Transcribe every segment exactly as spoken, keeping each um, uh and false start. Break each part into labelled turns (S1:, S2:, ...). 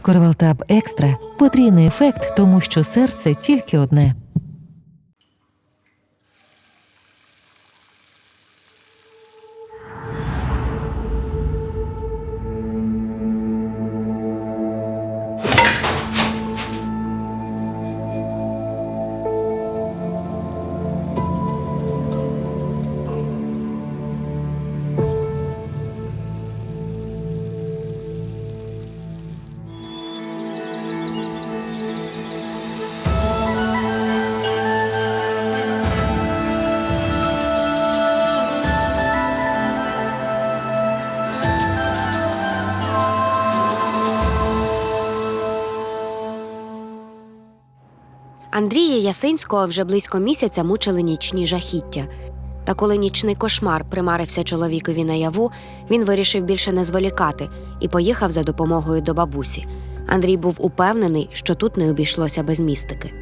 S1: Корвалтаб Екстра – потрійний ефект, тому що серце тільки одне.
S2: Андрія Ясинського вже близько місяця мучили нічні жахіття. Та коли нічний кошмар примарився чоловікові наяву, він вирішив більше не зволікати і поїхав за допомогою до бабусі. Андрій був упевнений, що тут не обійшлося без містики.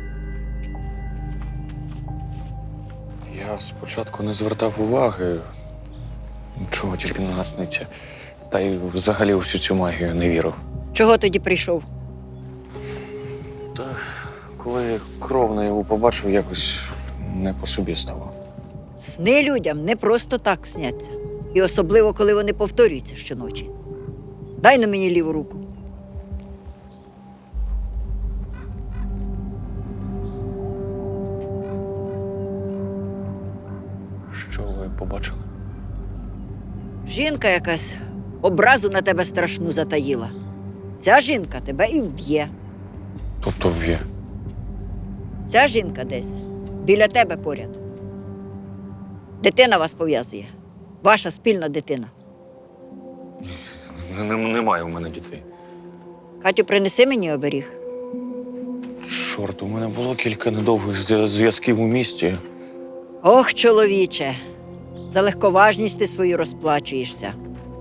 S3: Я спочатку не звертав уваги, чого тільки на нас сниться. Та й взагалі у всю цю магію не вірив.
S4: Чого тоді прийшов?
S3: Та коли кров наяву побачив, якось не по собі стало.
S4: Сни людям не просто так сняться. І особливо, коли вони повторюються щоночі. Дай на мені ліву руку.
S3: Що ви побачили?
S4: Жінка якась образу на тебе страшну затаїла. Ця жінка тебе і вб'є.
S3: Тобто вб'є.
S4: Ця жінка десь біля тебе поряд. Дитина вас пов'язує. Ваша спільна дитина.
S3: Немає у мене дітей.
S4: Катю, принеси мені оберіг.
S3: Чорт, у мене було кілька недовгих зв'я- зв'язків у місті.
S4: Ох, чоловіче, за легковажність ти свою розплачуєшся.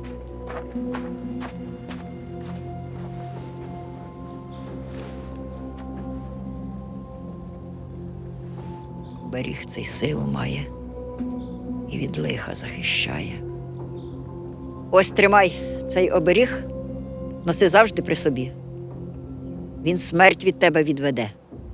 S4: Оберіг цей силу має і від лиха захищає. Ось тримай цей оберіг, носи завжди при собі. Він смерть від тебе відведе.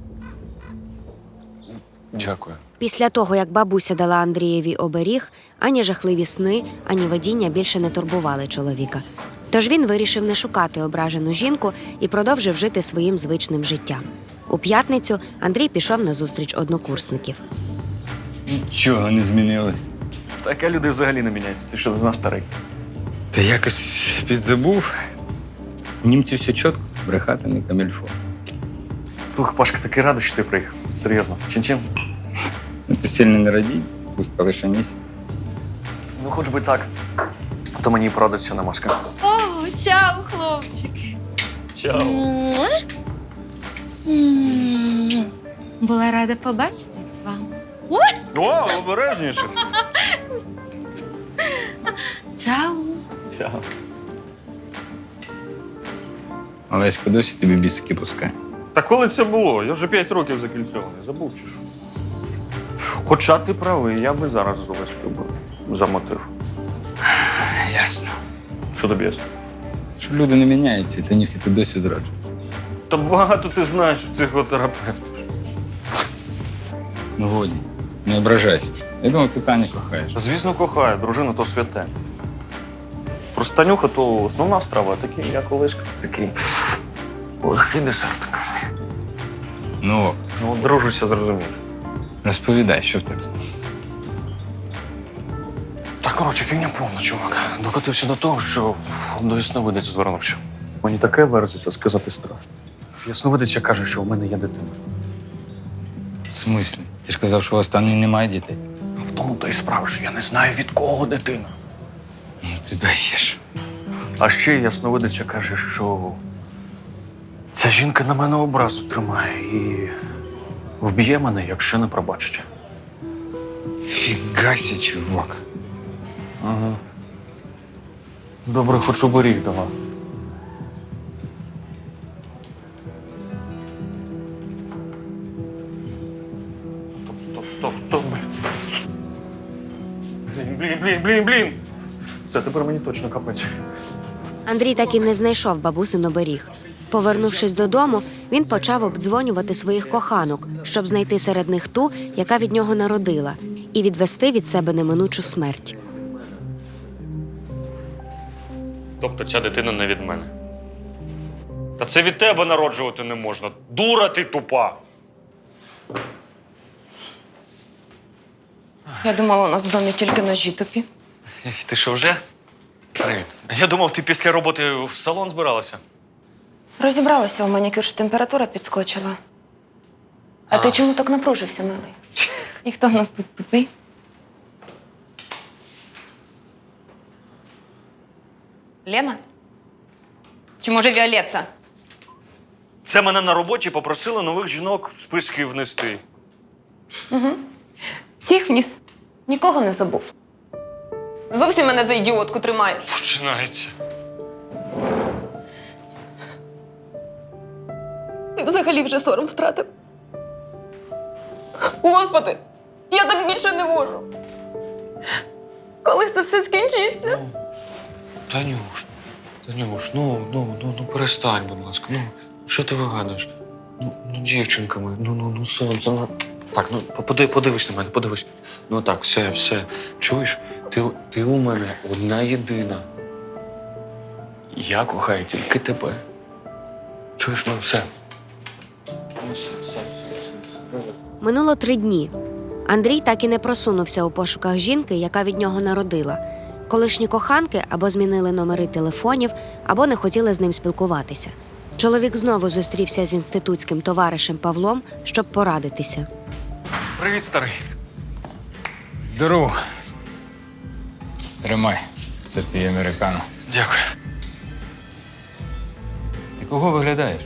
S3: Дякую.
S2: Після того, як бабуся дала Андрієві оберіг, ані жахливі сни, ані видіння більше не турбували чоловіка. Тож він вирішив не шукати ображену жінку і продовжив жити своїм звичним життям. У п'ятницю Андрій пішов на зустріч однокурсників.
S5: Нічого не змінилось.
S3: Таке люди взагалі не міняються. Ти що, не знав старий?
S5: Та якось підзабув. Німці все чітко, брехати не камільфо.
S3: Слухай, Пашка, такий радий, що ти приїхав. Серйозно. Чин-чин?
S5: Ну, ти сильно не радій, пусть лише місяць.
S3: Ну, хоч би так. А то мені порадиться на маска.
S6: О, чао, хлопчики.
S3: Чао.
S6: Муа. М. Була рада побачитись з вами.
S3: О, обережніше.
S6: Чао.
S3: Чао.
S5: Олеська досі тобі бісики пускає.
S3: Та коли це було? Я вже п'ять років закільцьований. Забув чи що? Хоча ти правий, я би зараз з Олеською би замотив.
S5: Ясно.
S3: Що тобі ясно?
S5: Що люди не міняються, і Танюхи ти досі зраджуєш.
S3: Та багато ти знаєш психотерапевтів.
S5: Ну годі, не ображайся. Я думав, ти Таню кохаєш.
S3: Звісно, кохаю, дружина то святе. Просто Танюха то основна страва, а такий, як Олеська, такий легкий десерт.
S5: Ну,
S3: Ну, от дружуся, зрозумієш.
S5: розповідай, що в тебе сталося.
S3: Та, коротше, фігня повна, чувак. Докотився до того, що до ясновидиця звернувся. Мені таке верзиться, сказати страшно. Ясновидиця каже, що в мене є дитина.
S5: В смислі? Ти ж казав, що у останньої немає дітей.
S3: А в тому то й справа, що я не знаю, від кого дитина.
S5: Ну, ти даєш.
S3: А ще ясновидиця каже, що ця жінка на мене образу тримає і вб'є мене, якщо не пробачить.
S5: Фігася, чувак.
S3: Ага. Добре, хоч оберіг дала. Стоп, стоп, стоп, стоп. Блін, блін, блін, блін, блін. Все, тепер мені точно капець.
S2: Андрій так і не знайшов бабусин оберіг. Повернувшись додому, він почав обдзвонювати своїх коханок, щоб знайти серед них ту, яка від нього народила, і відвести від себе неминучу смерть.
S3: Тобто ця дитина не від мене. Та це від тебе народжувати не можна. Дура ти тупа!
S7: Я думала, у нас в домі тільки ножі тупі.
S3: Ти що, вже? Привіт. Я думав, ти після роботи в салон збиралася.
S7: Розібралася у манікюр, що температура підскочила. А,
S3: А.
S7: ти чому так напружився, милий? І хто в нас тут тупий? Лена? Чи може Віолетта?
S3: Це мене на роботі попросили нових жінок в списки внести.
S7: Всіх вніс. Нікого не забув. Зовсім мене за ідіотку тримаєш.
S3: Починається.
S7: Ти взагалі вже сором втратив. Господи, я так більше не можу. Коли це все скінчиться?
S3: Танюш, Танюш, ну, ну, ну, ну перестань, будь ласка. Ну, що ти вигадуєш? Ну, ну дівчинка моя, ну, ну, ну, сонце, ну. Так, ну, поди, подивись на мене, подивись. Ну так, все, все. Чуєш? Ти, ти у мене одна єдина. Я кохаю тільки тебе. Чуєш, ну все. Ну, все, все, все, все, все.
S2: Минуло три дні. Андрій так і не просунувся у пошуках жінки, яка від нього народила. Колишні коханки або змінили номери телефонів, або не хотіли з ним спілкуватися. Чоловік знову зустрівся з інститутським товаришем Павлом, щоб порадитися.
S3: Привіт, старий.
S5: Здорово. Тримай. Це твій американо.
S3: Дякую.
S5: Ти кого виглядаєш?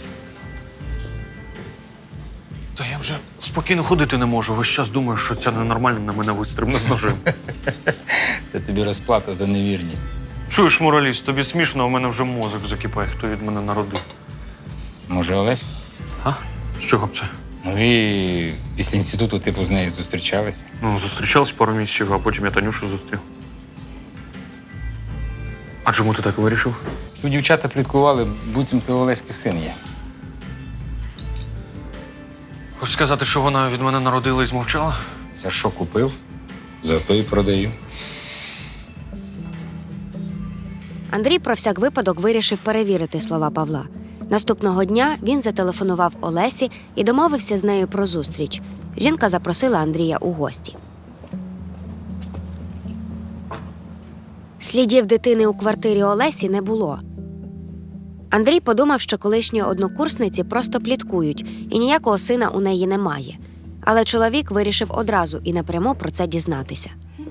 S3: Та я вже спокійно ходити не можу. Весь час думаю, що ця ненормальна на мене вистрибне з ножем.
S5: Це тобі розплата за невірність.
S3: Чуєш, мораліст, тобі смішно, а у мене вже мозок закипає, хто від мене народив.
S5: Може, Олеська?
S3: А? З чого б це?
S5: Ну і після інституту типу з нею зустрічалися.
S3: Ну, зустрічались пару місяців, а потім я Танюшу зустрів. А чому ти так вирішив?
S5: Що дівчата пліткували, буцімто Олеськи син є.
S3: Хочеш сказати, що вона від мене народила і змовчала?
S5: За що купив, за то і продаю.
S2: Андрій про всяк випадок вирішив перевірити слова Павла. Наступного дня він зателефонував Олесі і домовився з нею про зустріч. Жінка запросила Андрія у гості. Слідів дитини у квартирі Олесі не було. Андрій подумав, що колишні однокурсниці просто пліткують, і ніякого сина у неї немає. Але чоловік вирішив одразу і напряму про це дізнатися.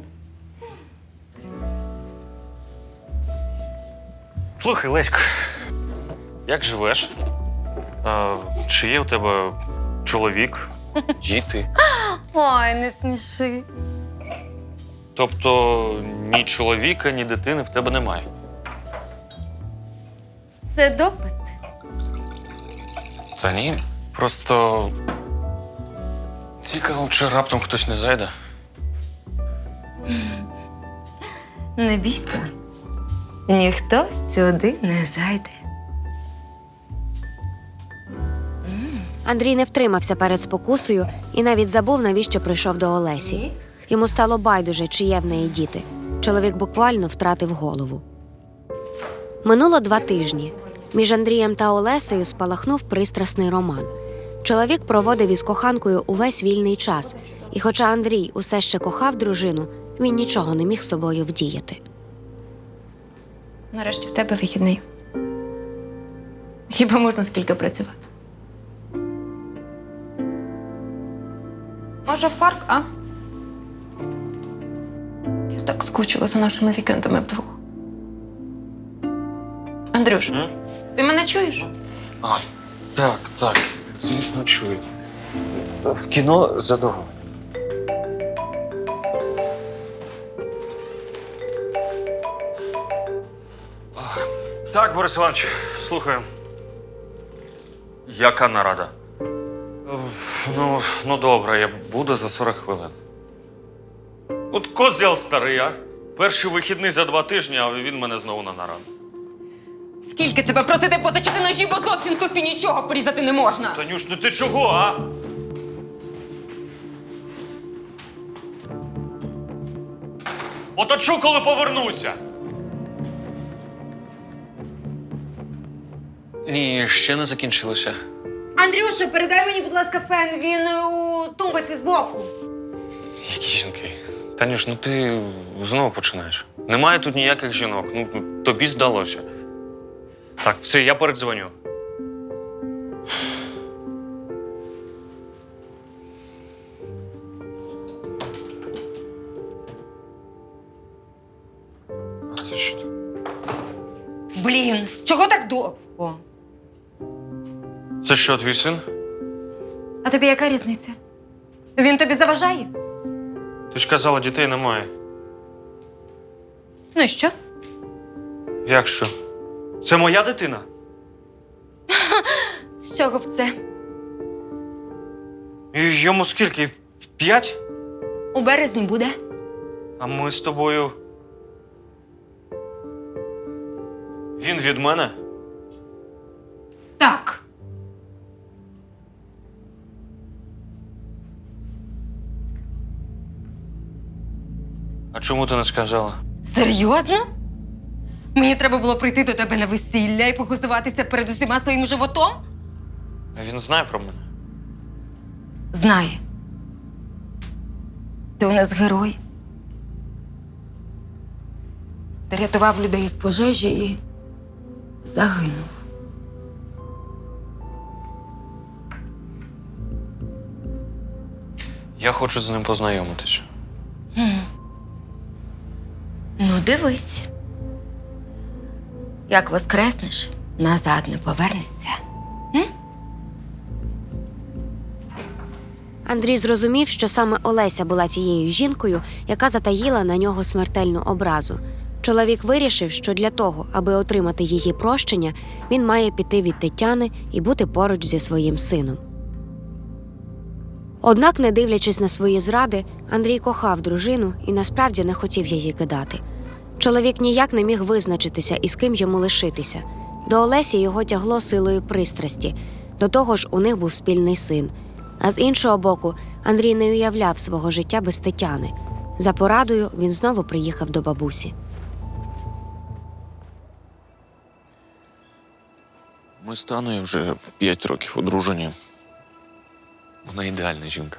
S3: Слухай, Лесько, як живеш? А, чи є у тебе чоловік, діти?
S6: Ой, не сміши.
S3: Тобто ні чоловіка, ні дитини в тебе немає?
S6: Це допит.
S3: Та ні. Просто цікаво, чи раптом хтось не зайде.
S6: Не бійся. Ніхто сюди не зайде.
S2: Андрій не втримався перед спокусою і навіть забув, навіщо прийшов до Олесі. Йому стало байдуже, чи є в неї діти. Чоловік буквально втратив голову. Минуло два тижні. Між Андрієм та Олесею спалахнув пристрасний роман. Чоловік проводив із коханкою увесь вільний час. І хоча Андрій усе ще кохав дружину, він нічого не міг з собою вдіяти.
S7: Нарешті в тебе вихідний. Хіба можна скільки працювати? Може, в парк, а? Я так скучила за нашими вікендами вдвох. Андрюш,
S3: М?
S7: ти мене чуєш?
S3: А, так, так, звісно, чую. В кіно задоволено. Так, Борис Іванович, слухаю. Яка нарада? Ну, ну добре, я буду за сорок хвилин. От козел старий, а? Перший вихідний за два тижні, а він мене знову на нараду.
S7: Скільки тебе просити поточити ножі, бо зовсім тупі нічого порізати не можна.
S3: Танюш, ну ти чого, а? Оточу, коли повернуся. Ні, ще не закінчилося.
S6: Андрюша, передай мені, будь ласка, фен, він у тумбаці збоку.
S3: Які жінки? Танюш, ну ти знову починаєш. Немає тут ніяких жінок. Ну, тобі здалося. Так, все, я передзвоню. А це що?
S6: Блін, чого так довго?
S3: Це що, твій син?
S6: А тобі яка різниця? Він тобі заважає?
S3: Ти ж казала, дітей немає.
S6: Ну і що?
S3: Як що? Це моя дитина?
S6: З чого б це?
S3: І йому скільки? П'ять?
S6: У березні буде.
S3: А ми з тобою. Він від мене?
S6: Так.
S3: А чому ти не сказала?
S6: Серйозно? Мені треба було прийти до тебе на весілля і похизуватися перед усіма своїм животом?
S3: А він знає про мене?
S6: Знає. Ти у нас герой. Ти рятував людей з пожежі і загинув.
S3: Я хочу з ним познайомитися.
S6: Ну, дивись. Як воскреснеш, назад не повернешся.
S2: Андрій зрозумів, що саме Олеся була тією жінкою, яка затаїла на нього смертельну образу. Чоловік вирішив, що для того, аби отримати її прощення, він має піти від Тетяни і бути поруч зі своїм сином. Однак, не дивлячись на свої зради, Андрій кохав дружину і насправді не хотів її кидати. Чоловік ніяк не міг визначитися, із ким йому лишитися. До Олесі його тягло силою пристрасті. До того ж, у них був спільний син. А з іншого боку, Андрій не уявляв свого життя без Тетяни. За порадою він знову приїхав до бабусі.
S3: Ми з Таною вже п'ять років одружені. Вона ідеальна жінка.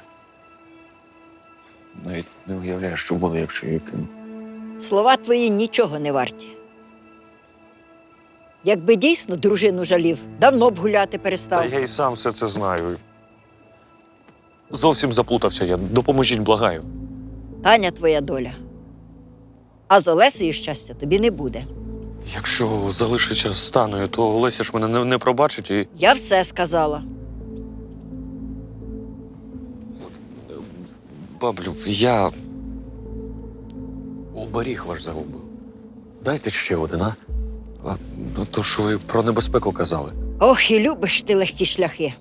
S3: Навіть не уявляю, що буде, якщо її кину.
S4: Слова твої нічого не варті. Якби дійсно дружину жалів, давно б гуляти перестав.
S3: Та я і сам все це знаю. Зовсім заплутався я. Допоможіть, благаю.
S4: Таня твоя доля. А з Олесею щастя тобі не буде.
S3: Якщо залишуся з Таною, то Олеся ж мене не, не пробачить і...
S4: Я все сказала.
S3: Баблю, я... оберіг ваш загубив. Дайте ще один, а? А ну, то ж ви про небезпеку казали.
S4: Ох, і любиш ти легкі шляхи.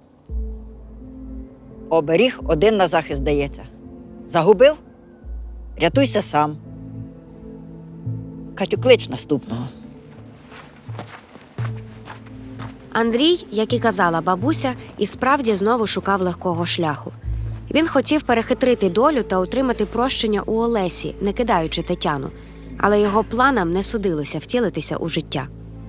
S4: Оберіг один на захист дається. Загубив? Рятуйся сам. Катю, клич наступного.
S2: Андрій, як і казала бабуся, і справді знову шукав легкого шляху. Він хотів перехитрити долю та отримати прощення у Олесі, не кидаючи Тетяну. Але його планам не судилося втілитися у життя.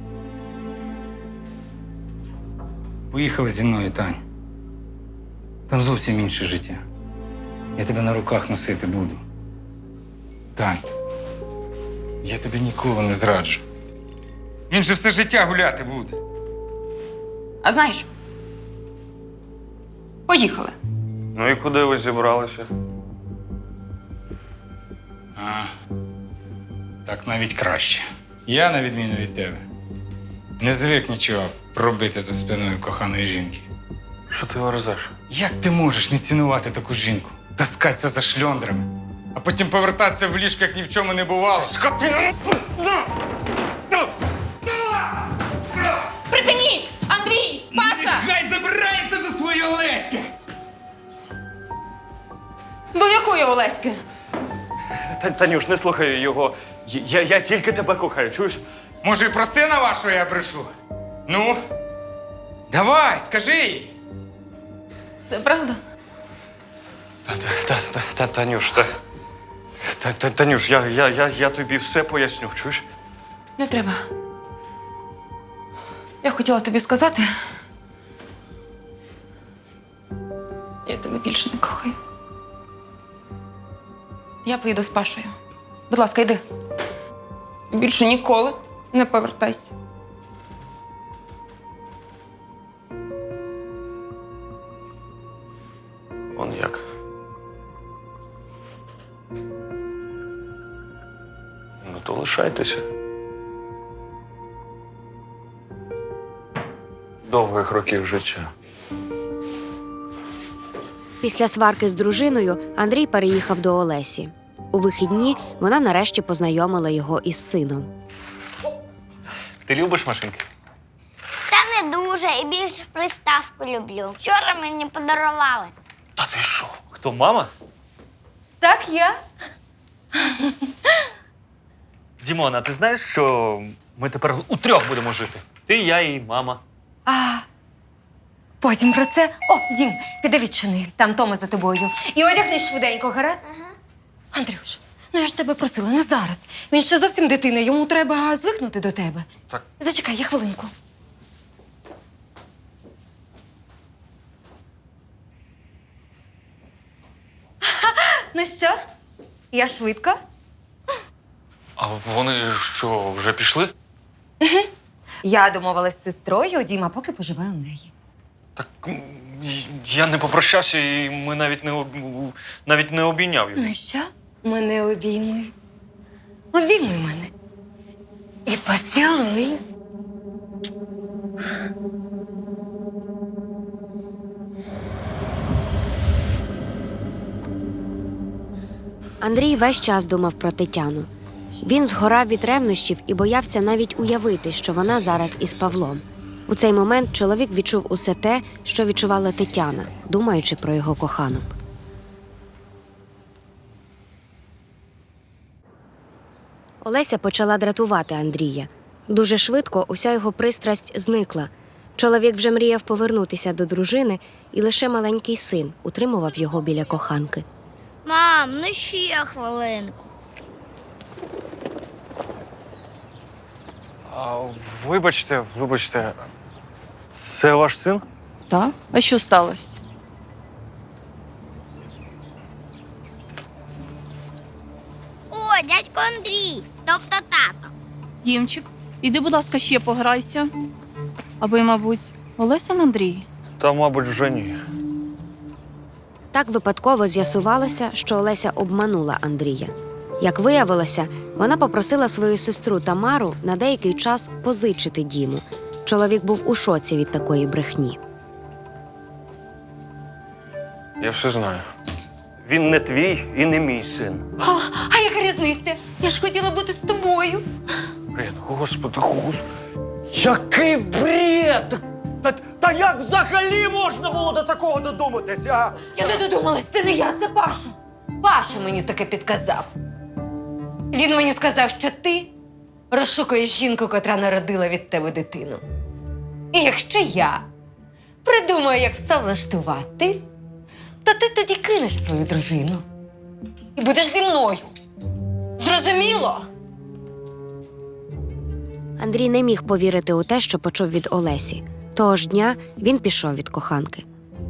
S5: Поїхали зі мною, Тань. Там зовсім інше життя. Я тебе на руках носити буду. Тань, я тебе ніколи не зраджу. Він же все життя гуляти буде.
S7: А знаєш? Поїхали.
S3: Ну і куди ви зібралися?
S5: А, так навіть краще. Я, на відміну від тебе, не звик нічого робити за спиною коханої жінки.
S3: Що ти верзеш?
S5: Як ти можеш не цінувати таку жінку? Таскатися за шльондрами, а потім повертатися в ліжко, як ні в чому не бувало?
S7: Припиніть! Андрій! Паша!
S5: Хай забирається до своєї Олеськи!
S7: До якої Олеськи?
S3: Та, Танюш, не слухай його. Я, я тільки тебе кохаю, чуєш?
S5: Може, і про сина вашого я брешу? Ну, давай, скажи їй.
S7: Це правда?
S3: Та, та, та, та, Танюш, та, та, та, Танюш, я, я, я, я тобі все поясню, чуєш?
S6: Не треба. Я хотіла тобі сказати. Я тебе більше не кохаю. Я поїду з Пашою. Будь ласка, йди. І більше ніколи не повертайся.
S3: Он як. Ну, то лишайтеся. Довгих років життя.
S2: Після сварки з дружиною Андрій переїхав до Олесі. У вихідні вона нарешті познайомила його із сином.
S3: Ти любиш машинки?
S8: Та не дуже, і більше приставку люблю. Вчора мені подарували.
S3: Та ти що? Хто, мама?
S6: Так, я.
S3: Дімона, ти знаєш, що ми тепер утрьох будемо жити? Ти, я і мама.
S6: А потім про це. О, Дім, піди відчини, там Тома за тобою. І одягнись швиденько, гаразд? Ага. Андрюш, ну я ж тебе просила, не зараз. Він ще зовсім дитина, йому треба звикнути до тебе.
S3: Так.
S6: Зачекай, я хвилинку. Ну що, я швидко?
S3: А вони що, вже пішли?
S6: Я домовилась з сестрою, Діма поки поживе у неї.
S3: Так м, я не попрощався, і ми навіть не, об... навіть не обійняв його.
S6: Ну і що? Мене обійми. Обійми мене. І поцілуй.
S2: Андрій весь час думав про Тетяну. Він згорав від ревнощів і боявся навіть уявити, що вона зараз із Павлом. У цей момент чоловік відчув усе те, що відчувала Тетяна, думаючи про його коханок. Олеся почала дратувати Андрія. Дуже швидко уся його пристрасть зникла. Чоловік вже мріяв повернутися до дружини, і лише маленький син утримував його біля коханки.
S8: Мам, ну ще хвилинку.
S3: А, вибачте, вибачте, це ваш син?
S9: Так? А що сталося?
S8: О, дядько Андрій, тобто тато.
S9: Дімчик, іди, будь ласка, ще пограйся. А ви, мабуть, Олесин Андрій?
S3: Та, мабуть, вже ні.
S2: Так випадково з'ясувалося, що Олеся обманула Андрія. Як виявилося, вона попросила свою сестру Тамару на деякий час позичити Діму. Чоловік був у шоці від такої брехні.
S3: Я все знаю. Він не твій і не мій син.
S6: А, а яка різниця? Я ж хотіла бути з тобою.
S3: Бред, господи, господи.
S10: Який бред! Та, та як взагалі можна було до такого додуматися? А?
S6: Я не додумалась, це не я, це Паша. Паша мені таке підказав. Він мені сказав, що ти розшукуєш жінку, котра народила від тебе дитину. І якщо я придумаю, як все влаштувати, то ти тоді кинеш свою дружину і будеш зі мною. Зрозуміло?
S2: Андрій не міг повірити у те, що почув від Олесі. Того ж дня він пішов від коханки.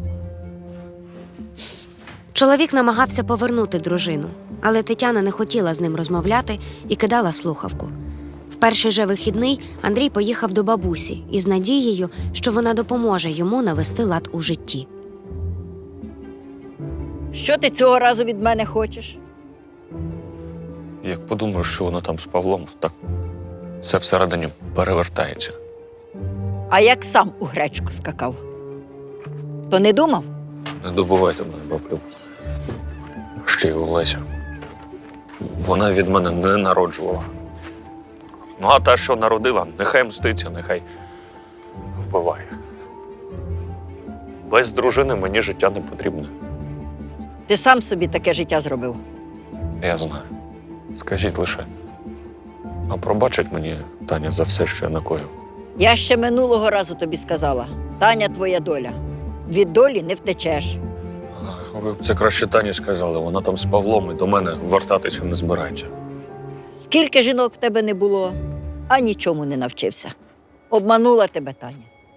S2: Чоловік намагався повернути дружину, але Тетяна не хотіла з ним розмовляти і кидала слухавку. В перший же вихідний Андрій поїхав до бабусі із надією, що вона допоможе йому навести лад у житті.
S4: Що ти цього разу від мене хочеш?
S3: Як подумаю, що вона там з Павлом, так все всередині перевертається.
S4: А як сам у гречку скакав? То не думав?
S3: Не добувайте мене, баблю. Ще й Олеся. Вона від мене не народжувала. Ну, а та, що народила, нехай мститься, нехай вбиває. Без дружини мені життя не потрібне.
S4: Ти сам собі таке життя зробив.
S3: Я знаю. Скажіть лише, А пробачить мені Таня за все, що я накоїв?
S4: Я ще минулого разу тобі сказала: Таня твоя доля. Від долі не втечеш.
S3: А, Ви б це краще Тані сказали, вона там з Павлом і до мене вертатися не збирається.
S4: Скільки жінок в тебе не було, а нічому не навчився. Обманула тебе Таня.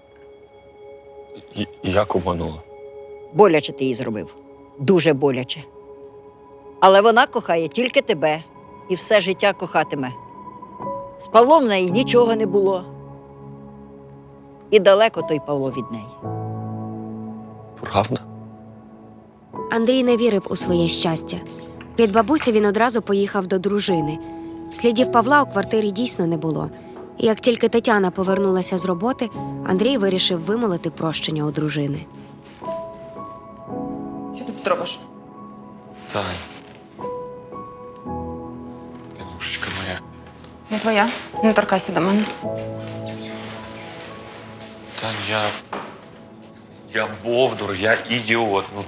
S3: І- Як обманула?
S4: Боляче ти їй зробив. Дуже боляче. Але вона кохає тільки тебе і все життя кохатиме. З Павлом в неї нічого не було. І далеко той Павло від неї.
S3: Правда?
S2: Андрій не вірив у своє щастя. Від бабусі він одразу поїхав до дружини. Слідів Павла у квартирі дійсно не було. І як тільки Тетяна повернулася з роботи, Андрій вирішив вимолити прощення у дружини.
S7: Що ти тут робиш?
S3: Тань. Танюшечка моя.
S7: Не твоя. Не торкайся до мене.
S3: Тань, я. Я бовдур, я ідіот. Ну.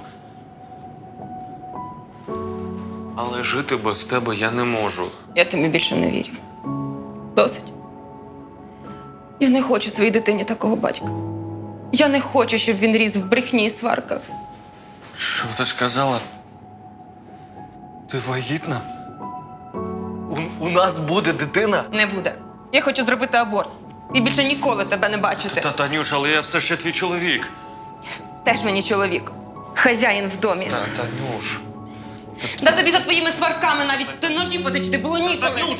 S3: Але жити без тебе я не можу.
S7: Я тобі більше не вірю. Досить. Я не хочу своїй дитині такого батька. Я не хочу, щоб він ріс в брехні і сварках.
S3: Що ти сказала? Ти вагітна? У, у нас буде дитина?
S7: Не буде. Я хочу зробити аборт. І більше ніколи тебе не бачити.
S3: Та, Танюш, але я все ще твій чоловік.
S7: Теж мені чоловік. Хазяїн в домі.
S3: Та, Танюш.
S7: Да тобі за твоїми сварками навіть ти ножі потечти було ніколи.
S3: Танюш!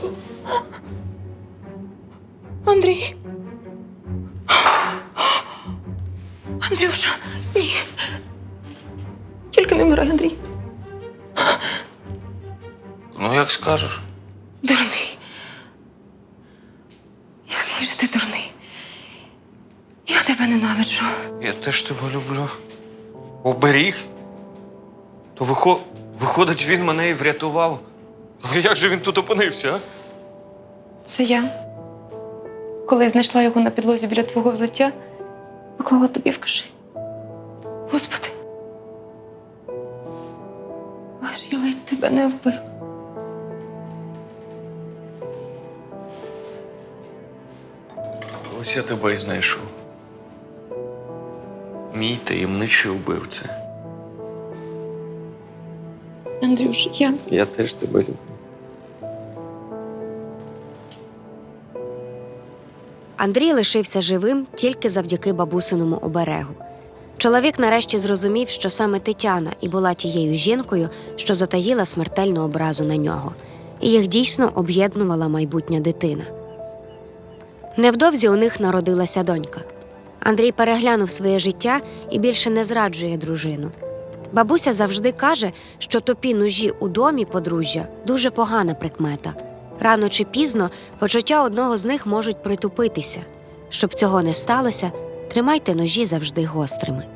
S7: Андрій. Андрюша, ні. Тільки не вмирай, Андрій.
S3: Ну, як скажеш.
S7: Дурний. Який же ти дурний. Я тебе ненавиджу.
S3: Я теж тебе люблю. Оберіг? То вихо... виходить, він мене і врятував. Але як же він тут опинився, а?
S7: Це я. Коли знайшла його на підлозі біля твого взуття, поклала тобі в кишень. Господи. Але ж я ледь тебе не вбила.
S3: Ось я тебе і знайшов. Мій таємничий убивця.
S7: Андрюш, я...
S3: Я теж тебе люблю.
S2: Андрій лишився живим тільки завдяки бабусиному оберегу. Чоловік нарешті зрозумів, що саме Тетяна і була тією жінкою, що затаїла смертельну образу на нього. І їх дійсно об'єднувала майбутня дитина. Невдовзі у них народилася донька. Андрій переглянув своє життя і більше не зраджує дружину. Бабуся завжди каже, що тупі ножі у домі подружжя – дуже погана прикмета. Рано чи пізно почуття одного з них можуть притупитися. Щоб цього не сталося, тримайте ножі завжди гострими.